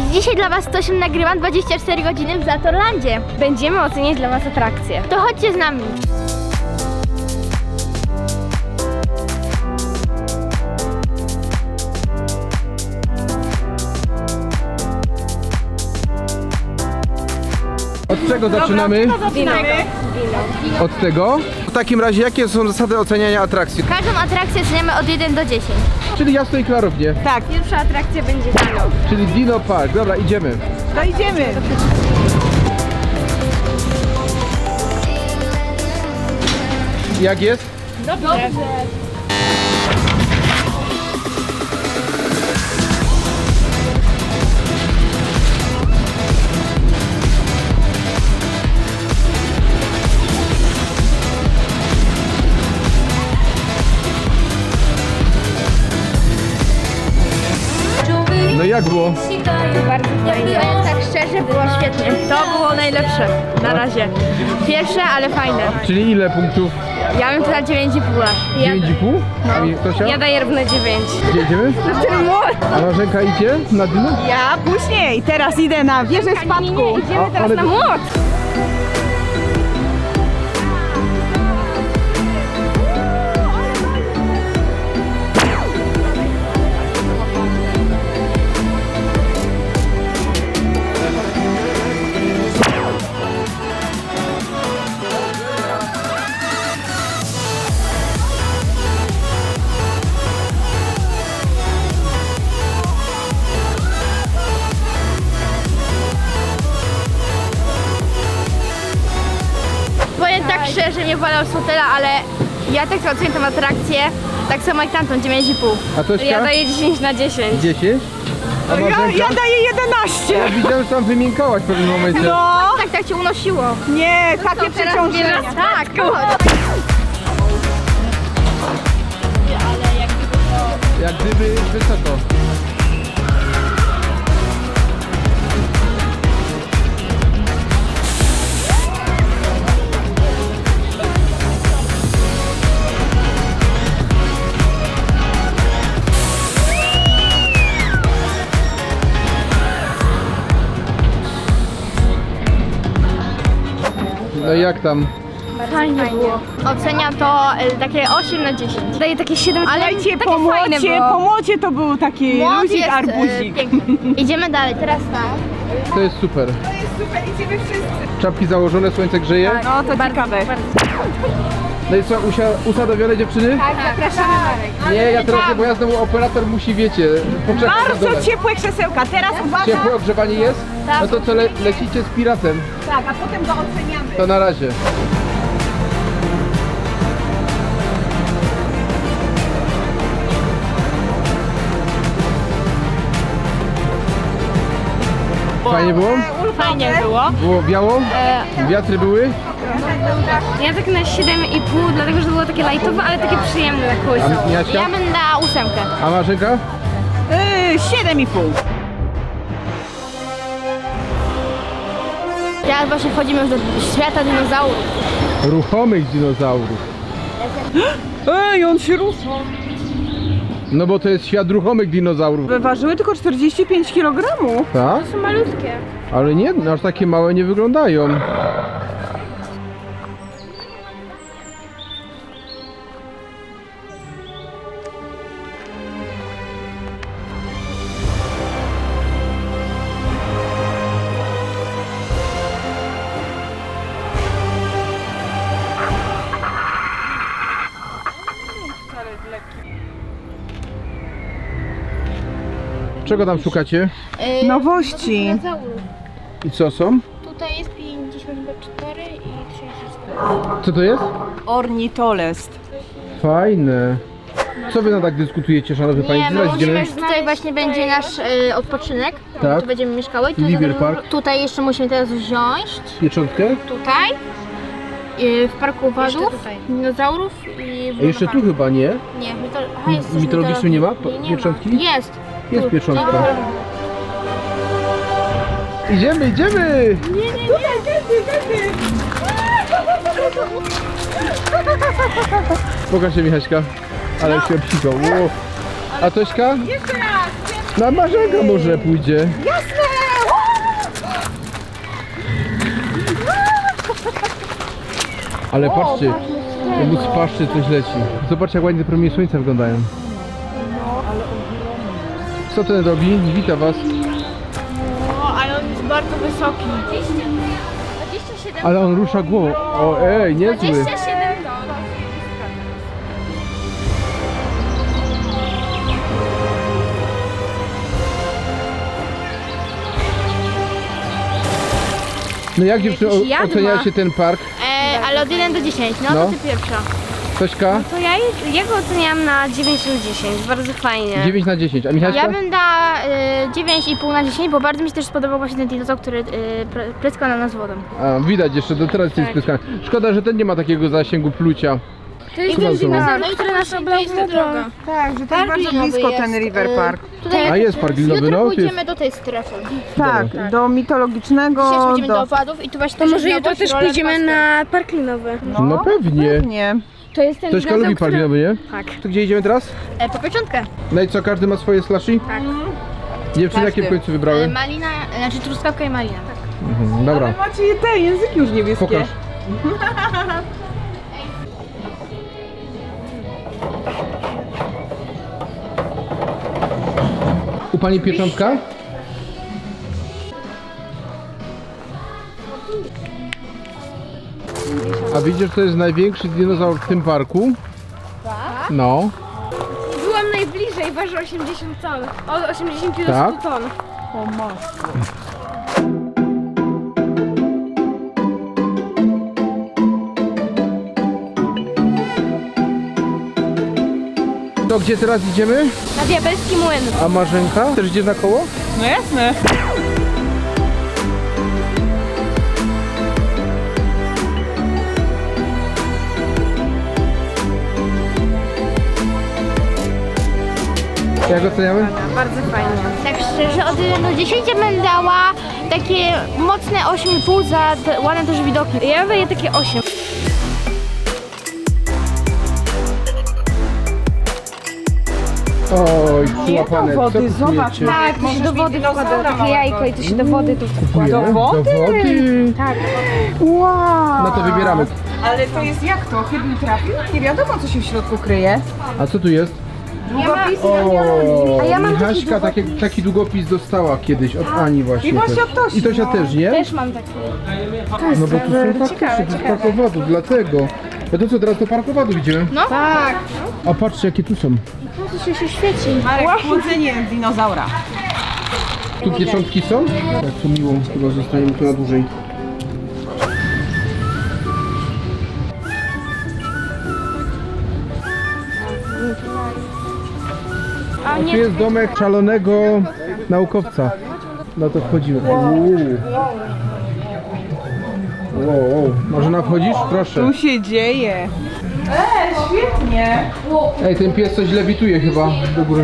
Dzisiaj dla was coś nagrywam 24 godziny w Zatorlandzie. Będziemy oceniać dla was atrakcje. To chodźcie z nami. Od czego zaczynamy? Wino. Od tego? W takim razie jakie są zasady oceniania atrakcji? Każdą atrakcję oceniamy od 1 do 10. Czyli jasno i klarownie. Tak, pierwsza atrakcja będzie Dino. Czyli Dino Park. Dobra, idziemy. To idziemy. Jak jest? Dobrze. No jak było? Bardzo fajnie. Tak szczerze, było świetnie. To było najlepsze na razie. Pierwsze, ale fajne. Czyli ile punktów? Ja bym to na 9,5. 9,5? A mi Tosia? Ja daję równe 9. Gdzie idziemy? A Marzenka idzie na Dino? Ja później. Teraz idę na wieżę spadku. Idziemy teraz ale- na młot. Powiem tak szczerze, nie wolał z hotela, ale ja tak oceniam tę atrakcję, tak samo jak tamtą, 9,5. A Tośka? Ja daję 10 na 10. 10? A Ja Marzenka? daję 11. Widziałem, że tam wymiękałaś w pewnym momencie. No, Tak cię unosiło. nie, takie przeciążenia. Tak, chodź. Jak gdyby wysoko. No i jak tam? Fajnie było. Oceniam to takie 8 na 10. Daję takie 7, ale Słuchajcie, takie po fajne młocie, było. po młocie to był taki Młot luzik, jest, arbuzik. piękny. Idziemy dalej, teraz tak. To jest super. To jest super, idziemy wszyscy. Czapki założone, słońce grzeje. No to ciekawe. No i co, usadowione dziewczyny? Tak, zapraszamy Marek. Nie, ja teraz nie, bo ja znowu operator musi, wiecie, poczekać na dole. Bardzo ciepłe krzesełka. Teraz uważam. Ciepłe ogrzewanie jest? No to co, lecicie z piratem? Tak, a potem go oceniamy. To na razie. Fajnie było? Fajnie było. Było biało? Wiatry były? Ja tak na 7,5, dlatego że to było takie lightowe, ale takie przyjemne na kołysało. A Jasia? Ja bym dała 8. A Marzenka? 7,5. Teraz właśnie wchodzimy już do świata dinozaurów. Ruchomych dinozaurów. Ej, on się rusza. No bo to jest świat ruchomych dinozaurów. Ważyły tylko 45 kg. Tak? Są malutkie. Ale nie, aż takie małe nie wyglądają. Czego tam szukacie? Nowości. Dinozaurów. I co są? Tutaj jest 54 i 34. Co to jest? Ornitolest. Fajne. Co wy na tak dyskutujecie, szanowni Nie, państwo? my Zaraz idziemy. musimy, tutaj właśnie będzie nasz odpoczynek. Tak. Tu będziemy mieszkały. Tu Livier Park. Tutaj jeszcze musimy teraz wziąć. Pieczątkę? Tutaj. W parku owadów, dinozaurów i A jeszcze tu chyba nie? Nie, aha, jest coś Mitologiczny nie ma nie pieczątki? ma. Jest. Jest Tu. pieczątka. Idziemy, idziemy! Pokaż się, Michaśka. Ale się obsikał. Wow. A Tośka? Jeszcze raz. Na Marzenka może pójdzie. Jasne. Ale patrzcie, jakby z paszczy coś leci. Zobaczcie, jak ładnie te promienie słońca wyglądają. Co ten robi? Wita was. O, ale on jest bardzo wysoki. 27 Ale on rusza głową. O, ej, niezły. 27 ton. No jak dziewczyny jadła. oceniacie ten park? Ale od 1 do 10, no, No. to ty pierwsza. Tośka? To ja go oceniam na 9 lub 10, bardzo fajnie. 9 na 10. A Michaśka? Ja bym dała 9,5 na 10, bo bardzo mi się też spodobał właśnie ten dinozaur, który pryskał na nas wodą. A, widać jeszcze, do teraz jest pryskany. Szkoda, że ten nie ma takiego zasięgu plucia. To jest Co tam ten są? dinozaur, No i który to nas jest oblał ta droga. wodą. Tak, że to jest bardzo linowy blisko jest, ten River Park. Tutaj A jest park linowy, jutro no. To jest... pójdziemy do tej strefy. Tak, do mitologicznego. Dzisiaj pójdziemy do owadów i tu właśnie To też może jest jutro też roller pójdziemy coaster. na park linowy. No pewnie. Pewnie. To jest ten Tośka dinozaur, lubi park linowy, nie? Tak. To gdzie idziemy teraz? Po pieczątkę. No i co, każdy ma swoje slushy? Tak. Dziewczyny jakie w końcu wybrały? Malina, znaczy truskawka i malina. Tak. Mhm, dobra, Macie te języki już niebieskie. pokaż. U pani pieczątka? A widzisz, że to jest największy dinozaur w tym parku? Tak? No, Byłam najbliżej, waży 80 ton. Od 80 do 100 Tak? ton. O matko. to gdzie teraz idziemy? Na diabelski młyn. A Marzenka? Też idzie na koło? No jasne. Jak oceniamy? Bardzo fajnie. Tak szczerze, od 1 do 10 bym dała takie mocne 8,5 za te ładne też widoki. Ja daję takie 8. Oj, przyłapane. do wody, Co tu zobacz, czujecie? Tak, to się do wody wkłada. Takie jajko i to się do wody tu wkłada. Do wody? Tak. Wow. No to wybieramy. Ale to jest jak to? Chybił trafił? Nie wiadomo, co się w środku kryje. A co tu jest? Długopis O, A ja mam taki Michaśka taki długopis dostała kiedyś od Ani właśnie. I właśnie też. od Tosi, I Tosia no. też, nie? Też mam taki. No bo tu są faktycznie tych parkowadów, dlatego. No to co, teraz do parkowadów idziemy? No. Tak. A patrzcie jakie tu są. To się świeci. Marek, chłodzenie dinozaura. Tu pieczątki są? Jak to miło, chyba zostaniemy tu na dłużej. A Tu nie, jest domek szalonego naukowca. No to wchodzimy. Wow. Marzena, wchodzisz? Proszę. Tu się dzieje. Świetnie. Ej, ten pies coś lewituje chyba do góry.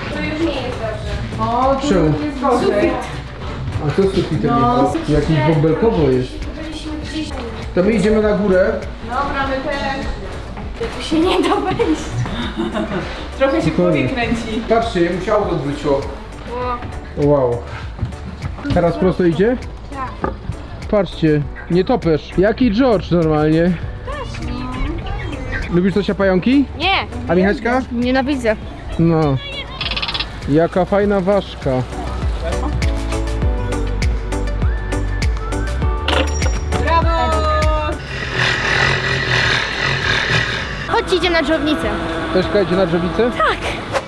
O, tu Czemu? jest gorzej. A co z sufitem jest? Jakiś bąbelkowo jest. To my idziemy na górę. Dobra, my też. się nie da wejść. Trochę się w głowie kręci. Patrzcie, jemu się auto odwróciło. Wow. Teraz prosto idzie? Tak. Patrzcie, nie topesz. Jaki George normalnie. Lubisz Tosia pająki? Nie, A Michaśka? nienawidzę. No. Jaka fajna ważka. Brawo! Chodźcie, idziemy na dżownicę. Tośka idzie na drzewicę? Tak.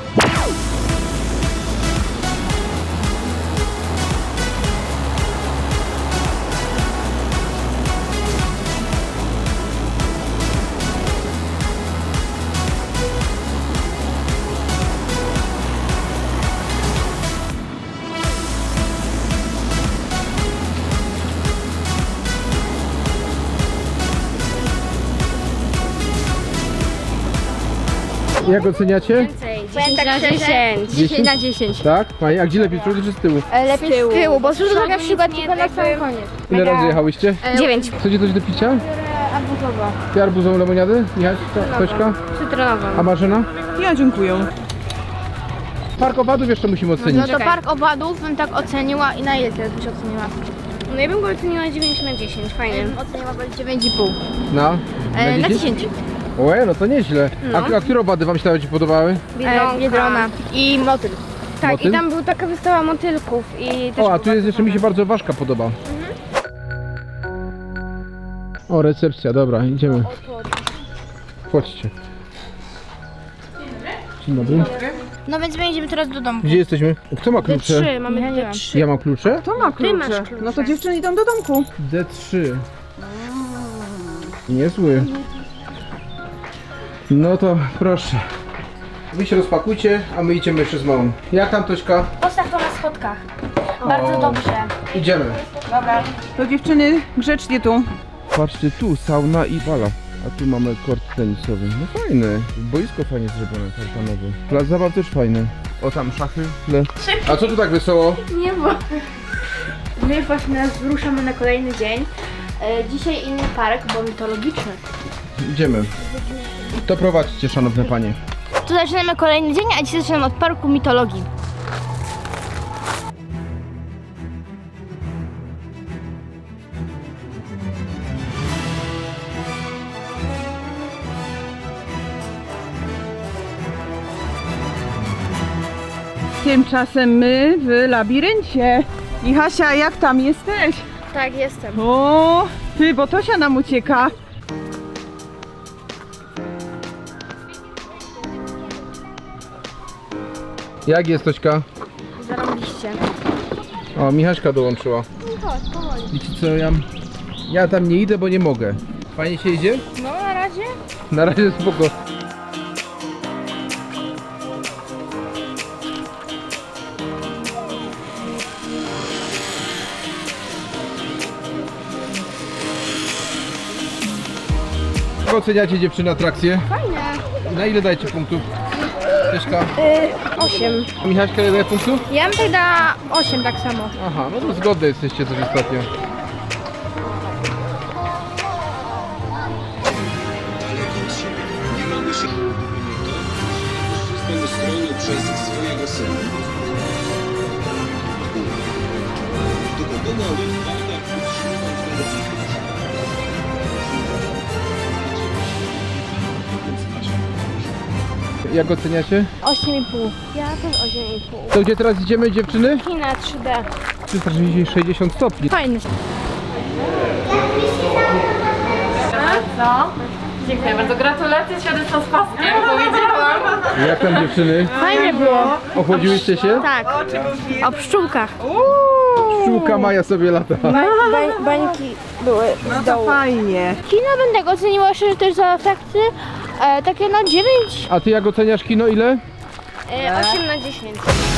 Jak oceniacie? 10 na 10. 10 na 10. Tak? Fajnie. A gdzie lepiej, z przodu czy z tyłu? Lepiej z tyłu, bo z przodu tak na przykład tylko na sam koniec. Ile razy jechałyście? 9. Chcecie coś do picia? Arbuzowa. Ty arbuzową lemoniadę? Michaśka? Tośka? Cytronową. A Marzena? Ja dziękuję. Park owadów jeszcze musimy ocenić. No to park owadów bym tak oceniła i na ile ty byś oceniła? No ja bym go oceniła 9 na 10, fajny. Oceniam 9,5. Na? Na 10. Łe, no to nieźle. No. A które wady wam się najbardziej podobały? Biedrona. I motyl. Tak, Motyl? i tam była taka wystawa motylków i też O, a było tu jest jeszcze, mi się fajne. bardzo ważka podoba. O, recepcja, dobra, idziemy. Chodźcie. Dzień dobry. No więc my idziemy teraz do domu. Gdzie jesteśmy? Kto ma klucze? D3, mamy D3. Ja mam klucze? To ma klucze. masz klucze. No to dziewczyny idą do domku. D3. Niezły. No to proszę. Wy się rozpakujcie, a my idziemy jeszcze z małą. Jak tam, Tośka? Postaw to na schodkach. Bardzo O. dobrze. Idziemy. Dobra. To dziewczyny grzecznie tu. Patrzcie, tu sauna i bala. A tu mamy kort tenisowy. No fajny. Boisko fajnie zrobione, tartanowe. Plac zabaw też fajny. O, tam szachy w tle. A co tu tak wesoło? Nie, bo my właśnie ruszamy na kolejny dzień. Dzisiaj inny park, bo mitologiczny. Idziemy. To prowadźcie, szanowne panie. Tu zaczynamy kolejny dzień, a dzisiaj zaczynamy od parku mitologii. Tymczasem my w labiryncie. I Hasia, jak tam jesteś? Tak, jestem. O, ty, bo Tosia nam ucieka. Jak jest, Tośka? Zarobiliście. O, Michaśka dołączyła. Wiecie co, ja tam nie idę, bo nie mogę. Fajnie się idzie? No na razie. Na razie spoko. Jak oceniacie dziewczyny atrakcje? Fajne. Na ile dajecie punktów? Tośka? 8. A Michaśka ile daje punktów? Ja bym tak dała 8 tak samo. Aha, no to zgodne jesteście coś ostatnio. Nie mamy się to strony przez swojego syna. Gdyby dodał jednak utrzymać Jak oceniacie? 8,5. Ja też 8,5. To gdzie teraz idziemy, dziewczyny? Kina 3D. 360 stopni. Fajny. Dziękuję bardzo, gratulacje świadectwa z paskiem, powiedziałam. Jak tam, dziewczyny? Fajnie było. Ochłodziłyście się? Tak. O pszczółkach. Pszczółka Maja sobie lata. Bańki były No to fajnie. Kino bym tak oceniła szczerze też za atrakcje. Takie no 9. A ty jak oceniasz kino, ile? 8 na 10.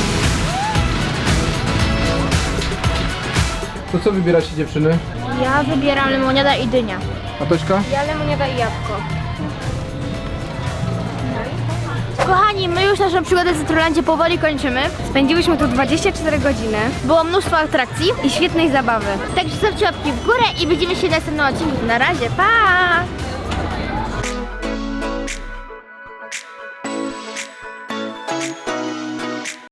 To co wybieracie, dziewczyny? Ja wybieram lemoniada i dynia. A Tośka? Ja lemoniada i jabłko. Kochani, my już naszą przygodę w Cytrulandzie powoli kończymy. Spędziłyśmy tu 24 godziny Było mnóstwo atrakcji. i świetnej zabawy. Także zostawcie łapki w górę i widzimy się w następnym odcinku. Na razie, pa!